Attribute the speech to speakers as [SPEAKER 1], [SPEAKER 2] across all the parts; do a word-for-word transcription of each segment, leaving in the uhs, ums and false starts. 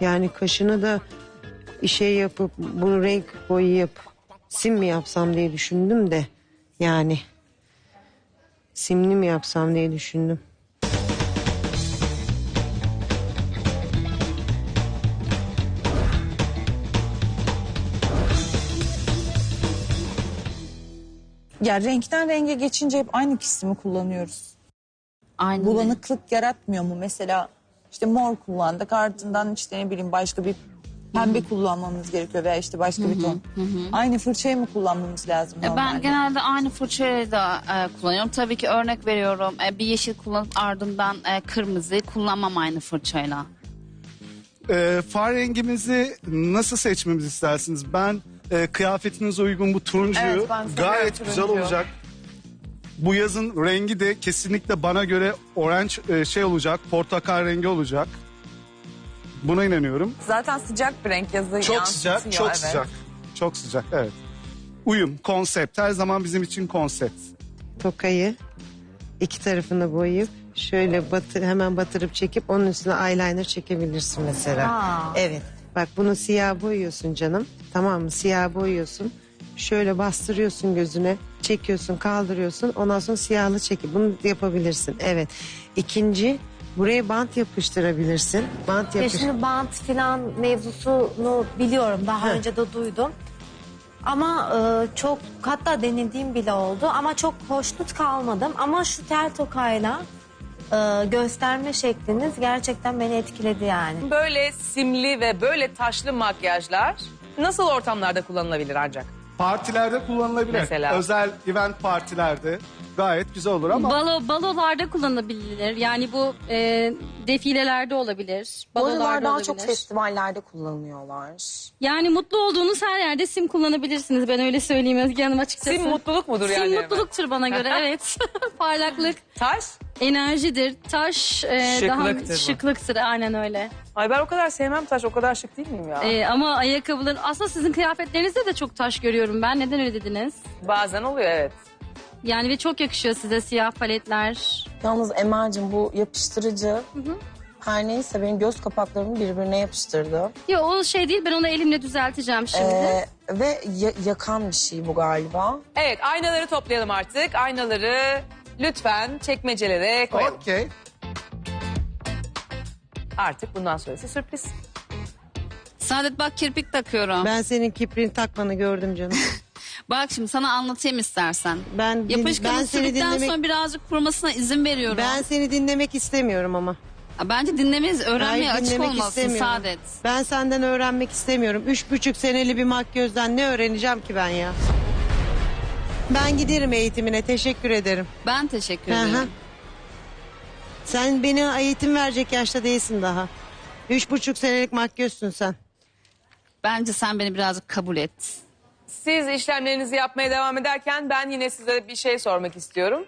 [SPEAKER 1] Yani kaşını da şey yapıp bunu renk boyayıp sim mi yapsam diye düşündüm de yani simli mi yapsam diye düşündüm.
[SPEAKER 2] Ya renkten renge geçince hep aynı kesimi kullanıyoruz.
[SPEAKER 3] Aynen.
[SPEAKER 2] Bulanıklık yaratmıyor mu? Mesela işte mor kullandık, ardından işte ne bileyim başka bir pembe kullanmamız gerekiyor veya işte başka bir ton. Aynı fırçayı mı kullanmamız lazım
[SPEAKER 3] E,
[SPEAKER 2] normalde?
[SPEAKER 3] Ben genelde aynı fırçayı da e, kullanıyorum. Tabii ki örnek veriyorum. E, bir yeşil kullanıp ardından e, kırmızı kullanmam aynı fırçayla.
[SPEAKER 4] Ee, far rengimizi nasıl seçmemizi istersiniz? Ben e, kıyafetinize uygun bu turuncuyu
[SPEAKER 2] Evet, ben seviyorum
[SPEAKER 4] gayet
[SPEAKER 2] turuncuyu.
[SPEAKER 4] güzel olacak. Bu yazın rengi de kesinlikle bana göre orange e, şey olacak, portakal rengi olacak. Buna inanıyorum.
[SPEAKER 2] Zaten sıcak bir renk yazı
[SPEAKER 4] Çok
[SPEAKER 2] yansıtıyor.
[SPEAKER 4] sıcak, çok
[SPEAKER 2] evet.
[SPEAKER 4] sıcak. Çok sıcak, evet. Uyum, konsept. Her zaman bizim için konsept.
[SPEAKER 1] Tokayı iki tarafını boyayıp şöyle batır, hemen batırıp çekip onun üstüne eyeliner çekebilirsin mesela.
[SPEAKER 2] Aa.
[SPEAKER 1] Evet. Bak bunu siyah boyuyorsun canım. Tamam mı? Siyah boyuyorsun. Şöyle bastırıyorsun gözüne. Çekiyorsun, kaldırıyorsun. Ondan sonra siyahlı çekip bunu yapabilirsin. Evet. İkinci, buraya bant yapıştırabilirsin. Bant
[SPEAKER 5] Ya
[SPEAKER 1] yapış.
[SPEAKER 5] şimdi bant filan mevzusunu biliyorum. Daha
[SPEAKER 1] Heh.
[SPEAKER 5] önce de duydum. Ama e, çok hatta denediğim bile oldu. Ama çok hoşnut kalmadım. Ama şu tel tokayla e, gösterme şekliniz gerçekten beni etkiledi yani.
[SPEAKER 6] Böyle simli ve böyle taşlı makyajlar nasıl ortamlarda kullanılabilir ancak?
[SPEAKER 4] Partilerde kullanılabilir.
[SPEAKER 6] Mesela?
[SPEAKER 4] Özel event partilerde gayet güzel olur ama...
[SPEAKER 7] Balo, balolarda kullanılabilir. Yani bu e, defilelerde olabilir.
[SPEAKER 8] Bu
[SPEAKER 7] Balolarda
[SPEAKER 8] aralar daha
[SPEAKER 7] olabilir.
[SPEAKER 8] çok festivallerde kullanıyorlar.
[SPEAKER 7] Yani mutlu olduğunuz her yerde sim kullanabilirsiniz. Ben öyle söyleyeyim Özge Hanım açıkçası.
[SPEAKER 6] Sim mutluluk mudur
[SPEAKER 7] Sim
[SPEAKER 6] yani?
[SPEAKER 7] mutluluktur bana göre, evet. Parlaklık,
[SPEAKER 6] Taş?
[SPEAKER 7] enerjidir. Taş e,
[SPEAKER 6] Şıklıktır
[SPEAKER 7] daha
[SPEAKER 6] bu.
[SPEAKER 7] şıklıktır, aynen öyle.
[SPEAKER 6] Ay ben o kadar sevmem taş, o kadar şık değil miyim ya?
[SPEAKER 7] E, ama ayakkabıların, aslında sizin kıyafetlerinizde de çok taş görüyorum ben. Neden öyle dediniz?
[SPEAKER 6] Bazen oluyor, evet.
[SPEAKER 7] Yani ve çok yakışıyor size siyah paletler.
[SPEAKER 8] Yalnız Emel'cim bu yapıştırıcı her neyse benim göz kapaklarımı birbirine yapıştırdı.
[SPEAKER 7] Yok o şey değil, ben onu elimle düzelteceğim şimdi.
[SPEAKER 8] Ee, ve ya- yakan bir şey bu galiba.
[SPEAKER 6] Evet, aynaları toplayalım artık. Aynaları lütfen çekmecelere koyalım.
[SPEAKER 4] Okey.
[SPEAKER 6] Artık bundan sonrası sürpriz.
[SPEAKER 3] Saadet bak kirpik takıyorum.
[SPEAKER 1] Ben senin kiprini takmanı gördüm canım.
[SPEAKER 3] Bak şimdi sana anlatayım istersen.
[SPEAKER 1] Ben din-
[SPEAKER 3] Yapışkanı
[SPEAKER 1] ben seni
[SPEAKER 3] sürdükten
[SPEAKER 1] dinlemek
[SPEAKER 3] sonra birazcık kurumasına izin veriyorum.
[SPEAKER 1] ben seni dinlemek istemiyorum ama.
[SPEAKER 3] Bence dinlemeyiz, öğrenmeye
[SPEAKER 1] Hayır,
[SPEAKER 3] açık
[SPEAKER 1] dinlemek
[SPEAKER 3] olmalısın
[SPEAKER 1] istemiyorum.
[SPEAKER 3] Saadet.
[SPEAKER 1] Ben senden öğrenmek istemiyorum. Üç buçuk seneli bir makyözden ne öğreneceğim ki ben ya? Ben giderim eğitimine, teşekkür ederim.
[SPEAKER 3] Ben teşekkür
[SPEAKER 1] Hı hı.
[SPEAKER 3] ederim.
[SPEAKER 1] Sen beni eğitim verecek yaşta değilsin daha. Üç buçuk senelik makyözsün sen.
[SPEAKER 3] Bence sen beni birazcık kabul et.
[SPEAKER 6] Siz işlemlerinizi yapmaya devam ederken ben yine size bir şey sormak istiyorum.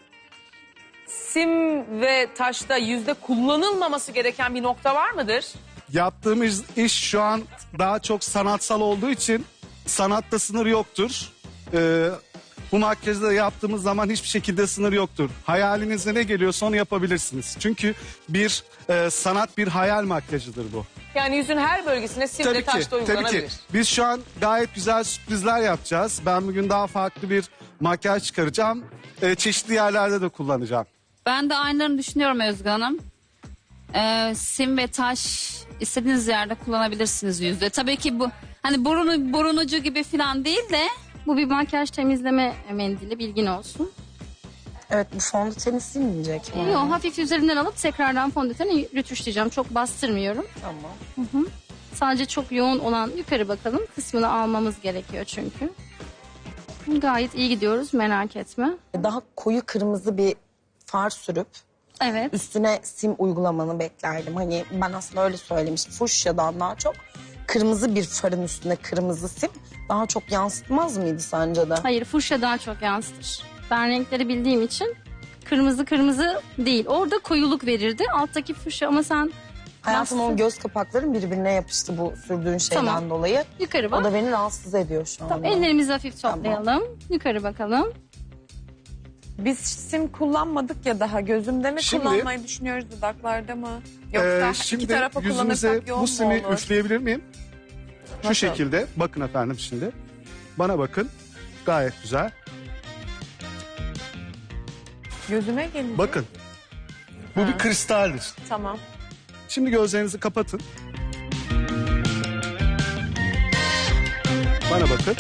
[SPEAKER 6] Sim ve taşta yüzde kullanılmaması gereken bir nokta var mıdır?
[SPEAKER 4] Yaptığımız iş şu an daha çok sanatsal olduğu için sanatta sınır yoktur. Ee, bu makyajı da yaptığımız zaman hiçbir şekilde sınır yoktur. Hayalinize ne geliyorsa onu yapabilirsiniz. Çünkü bir e, sanat bir hayal makyajıdır bu.
[SPEAKER 6] Yani yüzün her bölgesine sim ve
[SPEAKER 4] Tabii ki,
[SPEAKER 6] taş da
[SPEAKER 4] tabii
[SPEAKER 6] uygulanabilir.
[SPEAKER 4] ki. Biz şu an gayet güzel sürprizler yapacağız. Ben bugün daha farklı bir makyaj çıkaracağım. Ee, çeşitli yerlerde de kullanacağım.
[SPEAKER 3] Ben de aynılarını düşünüyorum Özgü Hanım. Ee, sim ve taş istediğiniz yerde kullanabilirsiniz yüzde. Tabii ki bu hani burun, burun ucu gibi falan değil de
[SPEAKER 7] Bu bir makyaj temizleme mendili, bilgin olsun.
[SPEAKER 8] Evet, bu fondöteni silmeyecek mi?
[SPEAKER 7] Yok, hafif üzerinden alıp tekrardan fondöteni rötuşlayacağım. Çok bastırmıyorum.
[SPEAKER 8] Tamam.
[SPEAKER 7] Sadece çok yoğun olan yukarı bakalım kısmını almamız gerekiyor çünkü. Gayet iyi gidiyoruz, merak etme.
[SPEAKER 8] Daha koyu kırmızı bir far sürüp
[SPEAKER 7] Evet.
[SPEAKER 8] üstüne sim uygulamanı beklerdim. Hani ben aslında öyle söylemiştim. Fuşyadan daha çok kırmızı bir farın üstüne kırmızı sim daha çok yansıtmaz mıydı sence de?
[SPEAKER 7] Hayır, fuşya daha çok yansıtır. Ben renkleri bildiğim için kırmızı kırmızı değil. Orada koyuluk verirdi. Alttaki fuşya ama sen
[SPEAKER 8] Hayatım
[SPEAKER 7] bastın.
[SPEAKER 8] o göz kapakların birbirine yapıştı bu sürdüğün şeyden
[SPEAKER 7] Tamam.
[SPEAKER 8] dolayı.
[SPEAKER 7] Yukarı bak.
[SPEAKER 8] O da beni rahatsız ediyor şu
[SPEAKER 7] Tamam,
[SPEAKER 8] anda.
[SPEAKER 7] ellerimizi hafif toplayalım. Yukarı bakalım.
[SPEAKER 2] Biz sim kullanmadık ya daha. Gözümde mi
[SPEAKER 4] Şimdi-
[SPEAKER 2] kullanmayı düşünüyoruz, dudaklarda mı? Yoksa
[SPEAKER 4] Ee,
[SPEAKER 2] iki
[SPEAKER 4] şimdi
[SPEAKER 2] tarafa
[SPEAKER 4] yüzünüze
[SPEAKER 2] kullanırsak yoğun
[SPEAKER 4] bu
[SPEAKER 2] mu
[SPEAKER 4] simi
[SPEAKER 2] olur?
[SPEAKER 4] üfleyebilir miyim? Şu
[SPEAKER 2] Nasıl?
[SPEAKER 4] şekilde. Bakın efendim şimdi. Bana bakın. Gayet güzel.
[SPEAKER 2] Gözüme gelince.
[SPEAKER 4] Bakın. Bu bir kristaldir.
[SPEAKER 2] Tamam.
[SPEAKER 4] Şimdi gözlerinizi kapatın. Bana bakın.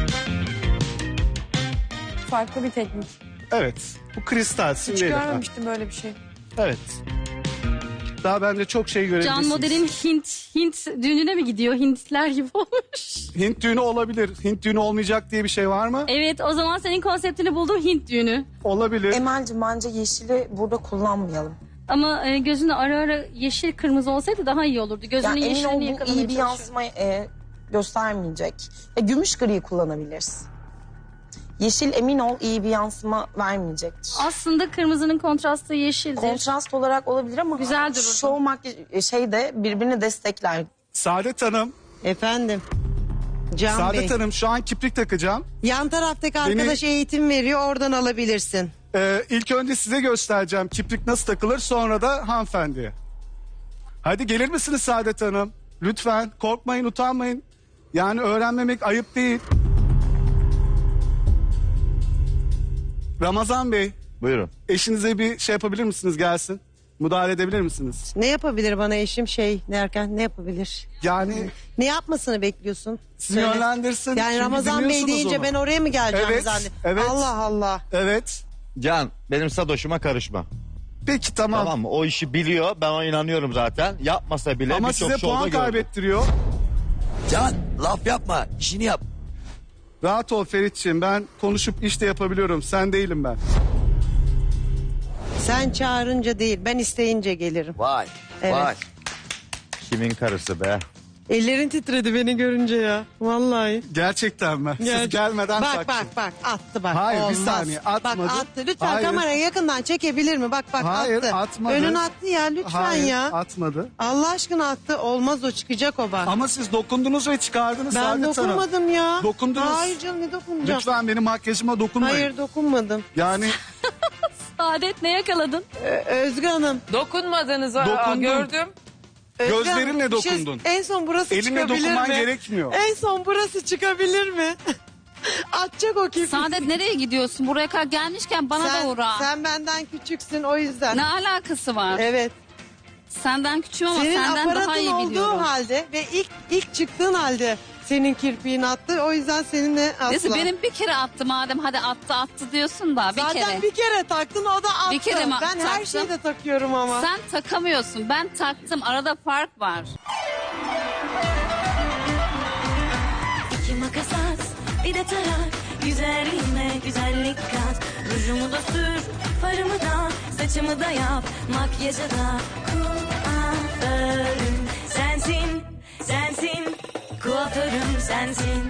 [SPEAKER 2] Farklı bir teknik.
[SPEAKER 4] Evet. Bu kristal sim
[SPEAKER 2] Hiç
[SPEAKER 4] değil efendim.
[SPEAKER 2] görmemiştim böyle bir şey.
[SPEAKER 4] Evet. Daha bence çok şey
[SPEAKER 7] Can
[SPEAKER 4] görebilirsiniz.
[SPEAKER 7] modelin Hint Hint düğününe mi gidiyor? Hintler gibi olmuş.
[SPEAKER 4] Hint düğünü olabilir. Hint düğünü olmayacak diye bir şey var mı?
[SPEAKER 7] Evet, o zaman senin konseptini buldum, Hint düğünü.
[SPEAKER 4] Olabilir.
[SPEAKER 8] Emel'cim bence yeşili burada kullanmayalım.
[SPEAKER 7] Ama e, gözünde ara ara yeşil kırmızı olsaydı daha iyi olurdu. Gözünün
[SPEAKER 8] Yani emin ol
[SPEAKER 7] yeşilini
[SPEAKER 8] bu
[SPEAKER 7] yakalamaya
[SPEAKER 8] iyi bir
[SPEAKER 7] çalışıyorum.
[SPEAKER 8] yansıma e, göstermeyecek. E, gümüş griyi kullanabiliriz. Yeşil emin ol iyi bir yansıma vermeyecektir.
[SPEAKER 7] Aslında kırmızının kontrastı yeşildir.
[SPEAKER 8] Kontrast olarak olabilir ama
[SPEAKER 7] Güzel dururdu.
[SPEAKER 8] şov makyaj şey de birbirini destekler.
[SPEAKER 4] Saadet Hanım.
[SPEAKER 1] Efendim. Can Bey.
[SPEAKER 4] Saadet Hanım şu an kiprik takacağım.
[SPEAKER 1] Yan taraftaki
[SPEAKER 4] Beni-
[SPEAKER 1] arkadaş eğitim veriyor. Oradan alabilirsin.
[SPEAKER 4] Ee, ilk önce size göstereceğim kiprik nasıl takılır, sonra da hanımefendiye. Hadi gelir misiniz Saadet Hanım? Lütfen korkmayın, utanmayın. Yani öğrenmemek ayıp değil. Ramazan Bey,
[SPEAKER 9] Buyurun.
[SPEAKER 4] eşinize bir şey yapabilir misiniz, gelsin? Müdahale edebilir misiniz?
[SPEAKER 1] Ne yapabilir bana eşim şey derken ne yapabilir?
[SPEAKER 4] Yani
[SPEAKER 1] Ne yapmasını bekliyorsun?
[SPEAKER 4] sizi yönlendirsin.
[SPEAKER 1] Yani
[SPEAKER 4] Çünkü
[SPEAKER 1] Ramazan Bey
[SPEAKER 4] dinliyorsunuz
[SPEAKER 1] deyince
[SPEAKER 4] onu.
[SPEAKER 1] ben oraya mı geleceğim
[SPEAKER 4] Evet,
[SPEAKER 1] zannet?
[SPEAKER 4] evet.
[SPEAKER 1] Allah Allah.
[SPEAKER 4] Evet.
[SPEAKER 9] Can benim sadoşuma karışma.
[SPEAKER 4] Peki tamam.
[SPEAKER 9] Tamam mı? O işi biliyor. Ben ona inanıyorum zaten. Yapmasa bile
[SPEAKER 4] Ama
[SPEAKER 9] birçok
[SPEAKER 4] size
[SPEAKER 9] şovda
[SPEAKER 4] puan
[SPEAKER 9] gördüm.
[SPEAKER 4] kaybettiriyor.
[SPEAKER 10] Can laf yapma, işini yap.
[SPEAKER 4] Rahat ol Feritçiğim, ben konuşup iş de yapabiliyorum. Sen değilim ben.
[SPEAKER 1] Sen çağırınca değil ben isteyince gelirim.
[SPEAKER 10] Vay,
[SPEAKER 1] Evet.
[SPEAKER 10] vay.
[SPEAKER 9] Kimin karısı be?
[SPEAKER 1] Ellerin titredi beni görünce ya. Vallahi.
[SPEAKER 4] Gerçekten mi? Siz
[SPEAKER 1] Gerçek-
[SPEAKER 4] gelmeden
[SPEAKER 1] Bak
[SPEAKER 4] taktım.
[SPEAKER 1] bak bak attı bak.
[SPEAKER 4] Hayır, bir
[SPEAKER 1] Olmaz.
[SPEAKER 4] saniye, atmadı.
[SPEAKER 1] Bak attı. Lütfen
[SPEAKER 4] Hayır.
[SPEAKER 1] kamerayı yakından çekebilir mi? Bak bak
[SPEAKER 4] Hayır,
[SPEAKER 1] attı.
[SPEAKER 4] atmadı.
[SPEAKER 1] Önün attı ya lütfen
[SPEAKER 4] Hayır,
[SPEAKER 1] ya.
[SPEAKER 4] atmadı.
[SPEAKER 1] Allah aşkına attı. Olmaz o çıkacak o bak.
[SPEAKER 4] Ama siz dokundunuz ve çıkardınız
[SPEAKER 1] ben
[SPEAKER 4] Saadet Hanım.
[SPEAKER 1] dokunmadım ya.
[SPEAKER 4] Dokundunuz.
[SPEAKER 1] Hayır canım ne dokunacağım?
[SPEAKER 4] Lütfen benim makyajıma dokunmayın.
[SPEAKER 1] Hayır dokunmadım.
[SPEAKER 4] Yani
[SPEAKER 7] Saadet ne yakaladın?
[SPEAKER 1] Ö- Özgü Hanım.
[SPEAKER 6] Dokunmadığınızı aa,
[SPEAKER 4] Dokundum.
[SPEAKER 6] gördüm.
[SPEAKER 1] Özgü
[SPEAKER 4] Gözlerinle
[SPEAKER 1] Hanım, bir şey-
[SPEAKER 4] dokundun.
[SPEAKER 1] en son burası
[SPEAKER 4] elinle
[SPEAKER 1] çıkabilir
[SPEAKER 4] dokunman
[SPEAKER 1] mi?
[SPEAKER 4] gerekmiyor.
[SPEAKER 1] En son burası çıkabilir mi? Atacak o kirpik.
[SPEAKER 3] Saadet nereye gidiyorsun? Buraya kadar gelmişken bana
[SPEAKER 1] sen,
[SPEAKER 3] da uğra.
[SPEAKER 1] sen benden küçüksün o yüzden.
[SPEAKER 3] Ne alakası var?
[SPEAKER 1] Evet.
[SPEAKER 3] Senden küçüğüm ama
[SPEAKER 1] Senin
[SPEAKER 3] senden daha
[SPEAKER 1] aparatın
[SPEAKER 3] iyi
[SPEAKER 1] olduğu
[SPEAKER 3] biliyorum.
[SPEAKER 1] halde ve ilk ilk çıktığın halde senin kirpiğin attı. O yüzden seninle asla.
[SPEAKER 3] Neyse benim bir kere attı madem, hadi attı attı diyorsun da bir
[SPEAKER 1] Zaten
[SPEAKER 3] kere.
[SPEAKER 1] bir kere taktın o da attı.
[SPEAKER 3] Bir kere mi
[SPEAKER 1] ben her
[SPEAKER 3] taktım?
[SPEAKER 1] şeyde takıyorum ama.
[SPEAKER 3] Sen takamıyorsun, ben taktım, arada fark var.
[SPEAKER 11] İki makas at, bir de tarak. Üzerine güzellik kat. Rujumu da sür, farımı da, saçımı da yap. Makyajı da kuaförüm sensin, sensin. Kuaförüm sensin.